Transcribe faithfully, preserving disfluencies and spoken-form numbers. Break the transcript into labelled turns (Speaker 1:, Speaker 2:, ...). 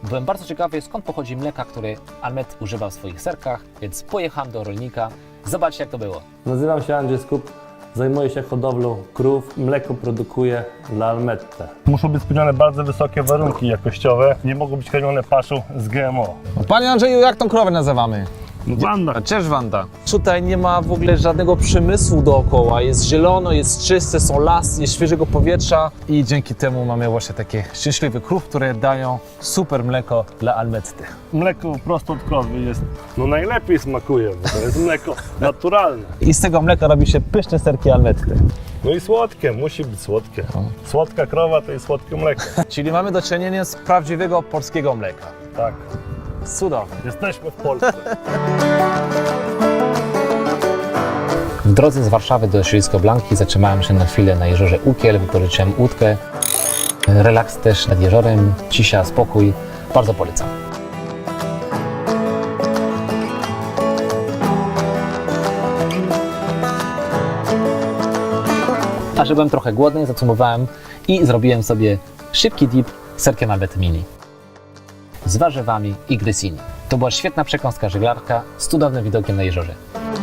Speaker 1: Byłem bardzo ciekawy, skąd pochodzi mleka, które Almet używa w swoich serkach, więc pojechałem do rolnika. Zobaczcie, jak to było.
Speaker 2: Nazywam się Andrzej Skup, zajmuję się hodowlą krów, mleko produkuję dla Almette.
Speaker 3: Muszą być spełnione bardzo wysokie warunki jakościowe, nie mogą być karmione paszą z G M O.
Speaker 4: Panie Andrzeju, jak tą krowę nazywamy?
Speaker 3: No Wanda.
Speaker 4: Cześć Wanda. Tutaj nie ma w ogóle żadnego przemysłu dookoła, jest zielono, jest czyste, są lasy, jest świeżego powietrza i dzięki temu mamy właśnie takie szczęśliwe krów, które dają super mleko dla Almetty.
Speaker 3: Mleko prosto od krowy jest, no najlepiej smakuje, bo to jest mleko naturalne.
Speaker 4: I z tego mleka robi się pyszne serki Almetty.
Speaker 3: No i słodkie, musi być słodkie. Słodka krowa to jest słodkie mleko.
Speaker 4: Czyli mamy do czynienia z prawdziwego polskiego mleka.
Speaker 3: Tak,
Speaker 4: Cudownie.
Speaker 3: jesteśmy w Polsce.
Speaker 1: W drodze z Warszawy do Środowisko Blanki zatrzymałem się na chwilę na jeziorze Ukiel, wypożyczyłem łódkę. Relaks też nad jeziorem, cisza, spokój. Bardzo polecam. A że byłem trochę głodny, zacumowałem i zrobiłem sobie szybki dip z serkiem Almet Mini. Z warzywami i grysini. To była świetna przekąska żeglarka z cudownym widokiem na jeziorze.